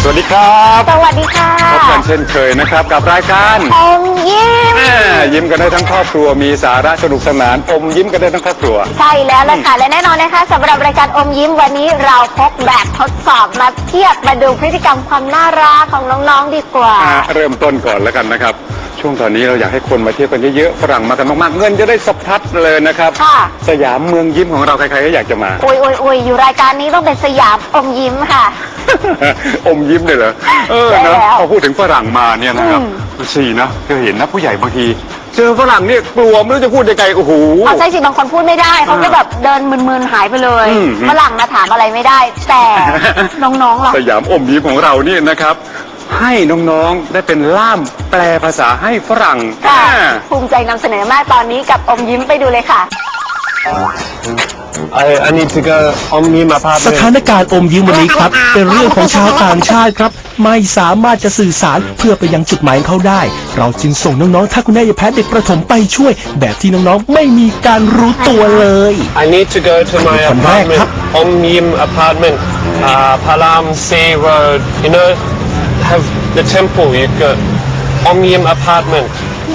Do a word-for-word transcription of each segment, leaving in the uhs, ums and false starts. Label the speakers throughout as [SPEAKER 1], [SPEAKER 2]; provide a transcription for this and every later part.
[SPEAKER 1] วัสดีครับ
[SPEAKER 2] สวัสดีค่ะ
[SPEAKER 1] พบกันเช่นเคยนะครับกับรายการ
[SPEAKER 2] อมยิ้ม
[SPEAKER 1] แม่ยิ้มกันได้ทั้งครอบครัวมีสาระสนุกสนานอมยิ้มกันได้ทั้งครอบครัว
[SPEAKER 2] ใช่แล้วล่ะค่ะและแน่นอนนะคะสำหรับรายการอมยิ้มวันนี้เราพกแบบทดสอบมาเทียบมาดูพฤติกรรมความน่ารักของน้องๆดีกว่า
[SPEAKER 1] อ่ะเริ่มต้นก่อนแล้วกันนะครับช่วงตอนนี้เราอยากให้คนมาเที่ยวกันเยอะๆฝรั่งมากันมากๆเงินจะได้สะพัดเลยนะครับ
[SPEAKER 2] ค่ะ
[SPEAKER 1] สยามเมืองยิ้มของเราใครๆก็อยากจะมา
[SPEAKER 2] โอ้ยโอ้ยโอ้ยอยู่รายการนี้ต้องเป็นสยามอมยิ้มค่ะ
[SPEAKER 1] อมยิ้มเลยเหรอเออ
[SPEAKER 2] ใช่
[SPEAKER 1] นะ
[SPEAKER 2] แล้ว
[SPEAKER 1] พอพูดถึงฝรั่งมาเนี่ยนะครับ
[SPEAKER 2] อืม
[SPEAKER 1] สี่นะเคยเห็นนะผู้ใหญ่บางทีเจอฝรั่งเนี่ยกลัวไม่รู้จะพูดยังไงโอ้โห
[SPEAKER 2] เอาใช่สิบางคนพูดไม่ได้เขาก็แบบเดินมึนๆหายไปเลย
[SPEAKER 1] อืม
[SPEAKER 2] ฝรั่งมาถามอะไรไม่ได้ แต่น้องๆล่ะ
[SPEAKER 1] สยามอมยิ้มของเราเนี่ยนะครับ ให้น้องๆได้เป็นล่ามแปลภาษาให้ฝรั่ง
[SPEAKER 2] ค่ะ
[SPEAKER 1] อ่า
[SPEAKER 2] ภูมิใจนำเสนอมากตอนนี้กับอมยิ้มไปดูเลยค่ะ
[SPEAKER 3] I, I need to go on me my
[SPEAKER 4] ส
[SPEAKER 3] apartment.
[SPEAKER 4] ถานการณ์อมยิ้มวันนี้ครับ เป็นเรื่องของชาวต่างชาติครับ ไม่สามารถจะสื่อสารเพื่อไปยังจุดหมายของเขาได้ เราจึงส่งน้องๆถ้าคุณแม่ยายแพทย์เด็กประถมไปช่วย แบบที่น้องๆไม่มีการรู้ตัวเลย
[SPEAKER 3] I need to go to my
[SPEAKER 4] คนแรก
[SPEAKER 3] apartment.
[SPEAKER 4] ครับ
[SPEAKER 3] On Mim apartment. Uh, Palam Sea Road. You know, have the temple. You go. On Mim apartment.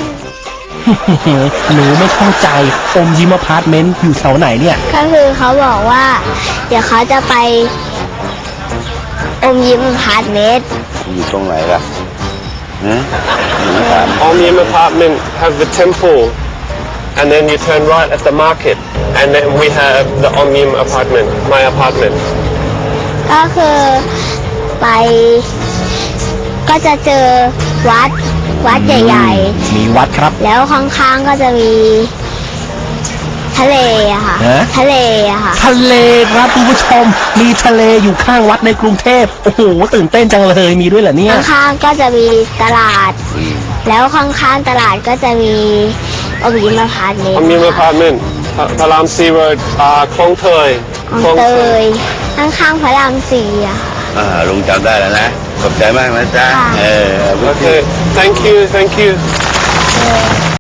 [SPEAKER 4] หนูไม่เข้าใจอมยิ้มอพาร์ตเมนต์อยู่แถวไหนเนี่ย
[SPEAKER 5] ก็คือเขาบอกว่า เดี๋ยวเขาจะไปอมยิ้มพาร์ทเมนต์
[SPEAKER 6] อยู่ตรงไหนล่ะนะหนูถาม
[SPEAKER 3] On Mim apartment have the temple, and then you turn right at the market, and then we have the On Mim apartment. My apartment.
[SPEAKER 5] ก็คือไป ก็จะเจอวัดวัดใหญ่
[SPEAKER 4] มีวัดครับ
[SPEAKER 5] ๆ แล้วข้างๆก็จะมีทะเลอะค่ะ
[SPEAKER 4] ฮะ
[SPEAKER 5] ทะเลอะค่ะ
[SPEAKER 4] ทะเลครับคุณผู้ชม มีทะเลอยู่ข้างวัดในกรุงเทพโอ้โหตื่นเต้นจังเลยมีด้วยเหรอเนี่ย
[SPEAKER 5] ข้างๆก็จะมีตลาด แล้วข้างๆตลาดก็จะมีอมยิ้มพาร์ทเมน
[SPEAKER 3] On
[SPEAKER 5] ต์
[SPEAKER 3] Mim apartment. Pa- Palam Sea Road. Uh, Klong Toy.
[SPEAKER 5] ของเตยข้างๆพระรามสี่อะ
[SPEAKER 6] อ่าลุงจำได้แล้วนะขอบใจมากนะจ๊ะ
[SPEAKER 5] ค่ะ
[SPEAKER 6] เออ
[SPEAKER 3] Okay. Thank you. Thank you.